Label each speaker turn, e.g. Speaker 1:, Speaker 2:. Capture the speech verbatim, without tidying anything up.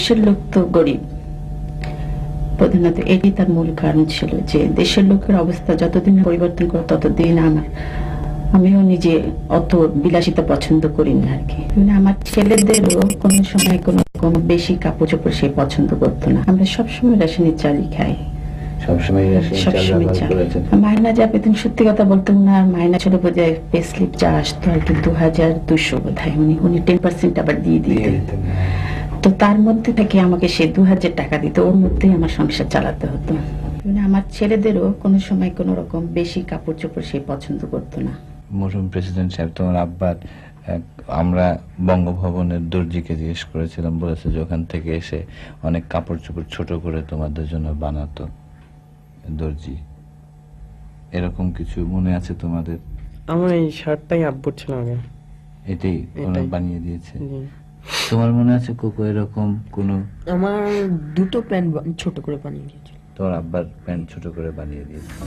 Speaker 1: দেশের লোক তো গরিব, প্রধানত এটি তার মূল কারণ ছিল যে দেশের লোকের অবস্থা যতদিন পরিবর্তন করে ততদিন আমার আমিও নিজে অত বিলাসিতা পছন্দ করি না আর কি। মানে আমার ছেলেদেরও কোনো সময় কোনো কোনো বেশি কাপড় চোপড় সে পছন্দ করতো না। আমরা সবসময় রেশনের চালই খাই,
Speaker 2: সবসময় রেশনের চাল
Speaker 1: সবসময়
Speaker 2: ব্যবহার
Speaker 1: চাল।
Speaker 2: করেছেন।
Speaker 1: মায়না যা পেতেন সত্যি কথা বলতে উনার মায়না ছিল বোধহয় পে স্লিপ যা আসতো আর কি দু হাজার দুশো বোধহয়, উনি উনি টেন পার্সেন্ট আবার দিয়ে
Speaker 2: দিয়ে
Speaker 1: দিতেন।
Speaker 2: দিতেন।
Speaker 1: তো তার মধ্যে থেকে আমাকে সে দু হাজার টাকা দিত, ওর মধ্যেই আমার সংসার চালাতে হতো। মানে আমার ছেলেদেরও কোনো সময় কোনো রকম বেশি কাপড় চোপড় সে পছন্দ করতো না।
Speaker 2: মরহুম প্রেসিডেন্ট সাহেব, তোমার আব্বার এক, আমরা বঙ্গভবনের দর্জিকে জিজ্ঞেস করেছিলাম, বলেছে যে ওখান থেকে এসে অনেক কাপড় চোপড় ছোট করে তোমাদের জন্য বানাতো দর্জি। এরকম কিছু মনে আছে তোমাদের?
Speaker 3: আমার এই শার্টটাই আব্বুর ছিল আগে।
Speaker 2: এটাই ওরা
Speaker 3: এটাই।
Speaker 2: বানিয়ে দিয়েছে?
Speaker 3: জি।
Speaker 2: তোমার মনে আছে কোকো এরকম কোনো?
Speaker 4: আমার দুটো প্যান্ট ছোট করে বানিয়ে দিয়েছিল।
Speaker 2: তোমার আব্বার প্যান্ট ছোট করে বানিয়ে দিয়েছে?